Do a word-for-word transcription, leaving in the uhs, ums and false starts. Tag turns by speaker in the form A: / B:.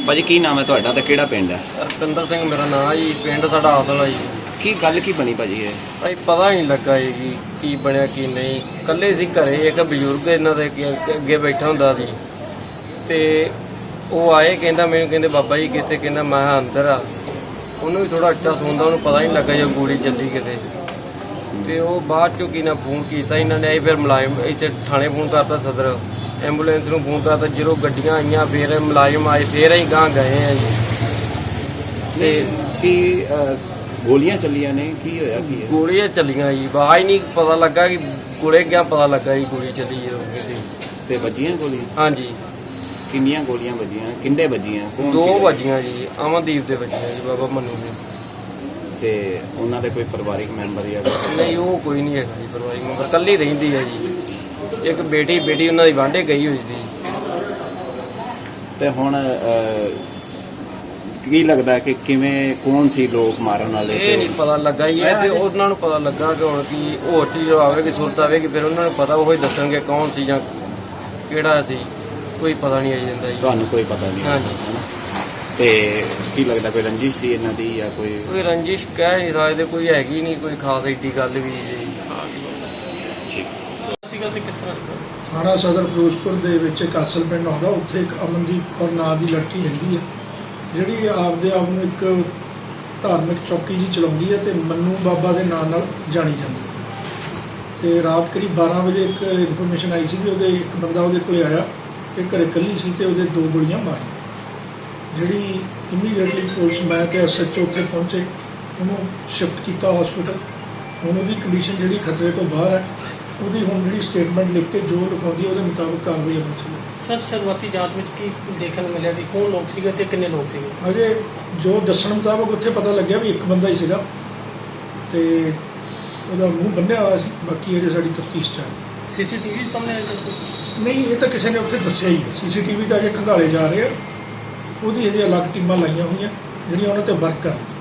A: ਭਾਜੀ ਕੀ ਨਾਮ ਹੈ ਤੁਹਾਡਾ ਤੇ ਕਿਹੜਾ ਪਿੰਡ ਹੈ?
B: ਰਤਿੰਦਰ ਸਿੰਘ ਮੇਰਾ ਨਾਮ ਜੀ। ਪਿੰਡ ਸਾਡਾ ਆਦਲ ਆ ਜੀ।
A: ਕੀ ਗੱਲ ਕੀ ਬਣੀ ਭਾਜੀ ਇਹ?
B: ਭਾਈ ਪਤਾ ਹੀ ਨਹੀਂ ਲੱਗਾ ਜੀ ਕਿ ਕੀ ਬਣਿਆ ਕੀ ਨਹੀਂ। ਇਕੱਲੇ ਸੀ ਘਰੇ, ਇੱਕ ਬਜ਼ੁਰਗ ਇਹਨਾਂ ਦੇ ਅੱਗੇ ਅੱਗੇ ਬੈਠਾ ਹੁੰਦਾ ਸੀ ਤੇ ਉਹ ਆਏ, ਕਹਿੰਦਾ ਮੈਨੂੰ, ਕਹਿੰਦੇ ਬਾਬਾ ਜੀ ਕਿੱਥੇ? ਕਹਿੰਦਾ ਮੈਂ ਅੰਦਰ ਆ। ਉਹਨੂੰ ਵੀ ਥੋੜਾ ਅੱਛਾ ਸੁਣਦਾ, ਉਹਨੂੰ ਪਤਾ ਹੀ ਨਹੀਂ ਲੱਗਾ ਜੇ ਗੋਲੀ ਚੱਲੀ ਕਿਤੇ। ਤੇ ਉਹ ਬਾਅਦ ਚੋਂ ਕੀ ਨਾ ਫੋਨ ਕੀਤਾ ਇਹਨਾਂ ਨੇ, ਫਿਰ ਮੁਲਾਜ਼ਮ ਇੱਥੇ ਥਾਣੇ ਫੋਨ ਕਰਤਾ, ਸਦਰ ਐਂਬੂਲੈਂਸ ਨੂੰ ਫੋਨ ਕਰਤਾ। ਜਦੋਂ ਗੱਡੀਆਂ ਆਈਆਂ ਫਿਰ ਮੁਲਾਜ਼ਮ ਆਏ, ਫਿਰ ਅਸੀਂ ਗਾਂ ਗਏ ਆ ਜੀ। ਤੇ
A: ਕੀ ਗੋਲੀਆਂ ਚੱਲੀਆਂ ਨੇ? ਕੀ ਹੋਇਆ ਕੀ ਹੈ?
B: ਗੋਲੀਆਂ ਚੱਲੀਆਂ ਜੀ, ਆਵਾਜ਼ ਹੀ ਨਹੀਂ ਪਤਾ ਲੱਗਾ ਕਿ ਗੋਲੇ ਗਿਆ, ਪਤਾ ਲੱਗਾ ਜੀ ਗੋਲੀ ਚੱਲੀ ਜਦੋਂ ਕਿਤੇ।
A: ਤੇ ਵੱਜੀਆਂ ਗੋਲੀਆਂ?
B: ਹਾਂਜੀ।
A: ਕਿੰਨੀਆਂ ਗੋਲੀਆਂ ਵੱਜੀਆਂ? ਕਿੰਨੇ ਵੱਜੀਆਂ? ਕੌਣ ਸੀ?
B: ਦੋ ਵੱਜੀਆਂ ਜੀ, ਅਮਨਦੀਪ ਦੇ ਵੱਜੀਆਂ ਜੀ, ਬਾਬਾ ਮੰਨੂ ਦੇ।
A: ਤੇ ਉਹਨਾਂ ਦੇ ਕੋਈ ਪਰਿਵਾਰਿਕ ਮੈਂਬਰ ਜਾਂ?
B: ਨਹੀਂ, ਉਹ ਕੋਈ ਨਹੀਂ ਹੈਗਾ ਜੀ ਪਰਿਵਾਰਿਕ ਮੈਂਬਰ, ਇਕੱਲੀ ਰਹਿੰਦੀ ਹੈ ਜੀ। ਇੱਕ ਬੇਟੀ ਬੇਟੀ ਉਹਨਾਂ ਦੀ ਵਾਂਢੇ ਗਈ ਹੋਈ ਸੀ।
A: ਤੇ ਹੁਣ ਕੀ ਲੱਗਦਾ ਕਿ ਕਿਵੇਂ, ਕੌਣ ਸੀ ਲੋਕ ਮਾਰਨ ਵਾਲੇ?
B: ਇਹ ਨਹੀਂ ਪਤਾ ਲੱਗਾ ਜੀ। ਇਹ ਤੇ ਉਹਨਾਂ ਨੂੰ ਪਤਾ ਲੱਗਾ ਕਿ ਹੁਣ ਕੀ ਹੋਰ ਚੀਜ਼ ਆਵੇਗੀ, ਸੁਰਤ ਆਵੇਗੀ, ਫਿਰ ਉਹਨਾਂ ਨੂੰ ਪਤਾ, ਉਹ ਹੀ ਦੱਸਣਗੇ ਕੌਣ ਸੀ ਜਾਂ ਕਿਹੜਾ ਸੀ। ਕੋਈ ਪਤਾ ਨਹੀਂ ਆਈ ਜਾਂਦਾ ਜੀ।
A: ਤੁਹਾਨੂੰ ਕੋਈ ਪਤਾ ਨਹੀਂ?
B: ਹਾਂਜੀ।
A: ਤੇ ਕੀ ਲੱਗਦਾ ਕੋਈ ਰੰਜਿਸ਼ ਸੀ ਇਹਨਾਂ ਦੀ ਜਾਂ ਕੋਈ?
B: ਕੋਈ ਰੰਜਿਸ਼ ਕਹਿ ਨਹੀਂ ਸਕਦੇ, ਕੋਈ ਹੈਗੀ ਨਹੀਂ ਕੋਈ ਖਾਸ ਏਡੀ ਗੱਲ ਵੀ ਜੀ।
C: ਥਾਣਾ ਸਦਰ ਫਿਰੋਜ਼ਪੁਰ ਦੇ ਵਿੱਚ ਇੱਕ ਅਸਲ ਪਿੰਡ ਆਉਂਦਾ, ਉੱਥੇ ਇੱਕ ਅਮਨਦੀਪ ਕੌਰ ਨਾਂ ਦੀ ਲੜਕੀ ਰਹਿੰਦੀ ਹੈ, ਜਿਹੜੀ ਆਪਦੇ ਆਪ ਨੂੰ ਇੱਕ ਧਾਰਮਿਕ ਚੌਕੀ ਜੀ ਚਲਾਉਂਦੀ ਹੈ ਤੇ ਮੰਨੂ ਬਾਬਾ ਦੇ ਨਾਂ ਨਾਲ ਜਾਣੀ ਜਾਂਦੀ ਹੈ। ਤੇ ਰਾਤ ਕਰੀਬ ਬਾਰਾਂ ਵਜੇ ਇੱਕ ਇਨਫੋਰਮੇਸ਼ਨ ਆਈ ਸੀ ਵੀ ਉਹਦੇ ਇੱਕ ਬੰਦਾ ਉਹਦੇ ਕੋਲ ਆਇਆ, ਇਹ ਘਰੇ ਇਕੱਲੀ ਸੀ ਤੇ ਉਹਦੇ ਦੋ ਗੋਲੀਆਂ ਮਾਰੀਆਂ। ਜਿਹੜੀ ਇਮੀਡੀਏਟਲੀ ਪੁਲਿਸ, ਮੈਂ ਤੇ ਐਸ ਐਚ ਓ ਉੱਥੇ ਪਹੁੰਚੇ, ਉਹਨੂੰ ਸ਼ਿਫਟ ਕੀਤਾ ਹਸਪੀਟਲ। ਹੁਣ ਉਹਦੀ ਕੰਡੀਸ਼ਨ ਜਿਹੜੀ ਖਤਰੇ ਤੋਂ ਬਾਹਰ ਹੈ, ਉਹਦੀ ਹੁਣ ਜਿਹੜੀ ਸਟੇਟਮੈਂਟ ਲਿਖ ਕੇ ਜੋ ਲਿਖਾਉਂਦੀ ਉਹਦੇ ਮੁਤਾਬਕ ਕਾਰਵਾਈ ਅਮਲ 'ਚ ਲਿਆਂਦੀ।
D: ਸਰ, ਸ਼ੁਰੂਆਤੀ ਜਾਂਚ ਵਿੱਚ ਕੀ ਦੇਖਣ ਨੂੰ ਮਿਲਿਆ ਕਿ ਕੌਣ ਲੋਕ ਸੀਗੇ ਤੇ ਕਿੰਨੇ ਲੋਕ ਸੀਗੇ?
C: ਅਜੇ ਜੋ ਦੱਸਣ ਮੁਤਾਬਕ ਉੱਥੇ ਪਤਾ ਲੱਗਿਆ ਵੀ ਇੱਕ ਬੰਦਾ ਹੀ ਸੀਗਾ ਤੇ ਉਹਦਾ ਮੂੰਹ ਬੰਨਿਆ ਹੋਇਆ ਸੀ। ਬਾਕੀ ਅਜੇ ਸਾਡੀ ਤਫਤੀਸ਼ ਚੱਲ ਰਹੀ।
D: ਸੀਸੀਟੀਵੀ ਸਾਹਮਣੇ ਆਇਆ ਕੁਝ?
C: ਨਹੀਂ, ਇਹ ਤਾਂ ਕਿਸੇ ਨੇ ਉੱਥੇ ਦੱਸਿਆ ਹੀ ਹੈ। ਸੀਸੀਟੀਵੀ ਤਾਂ ਅਜੇ ਖੰਗਾਲੇ ਜਾ ਰਹੇ ਆ, ਉਹਦੀ ਅਜੇ ਅਲੱਗ ਟੀਮਾਂ ਲਾਈਆਂ ਹੋਈਆਂ ਜਿਹੜੀਆਂ ਉਹਨਾਂ 'ਤੇ ਵਰਕ ਕਰ ਰਹੀਆਂ।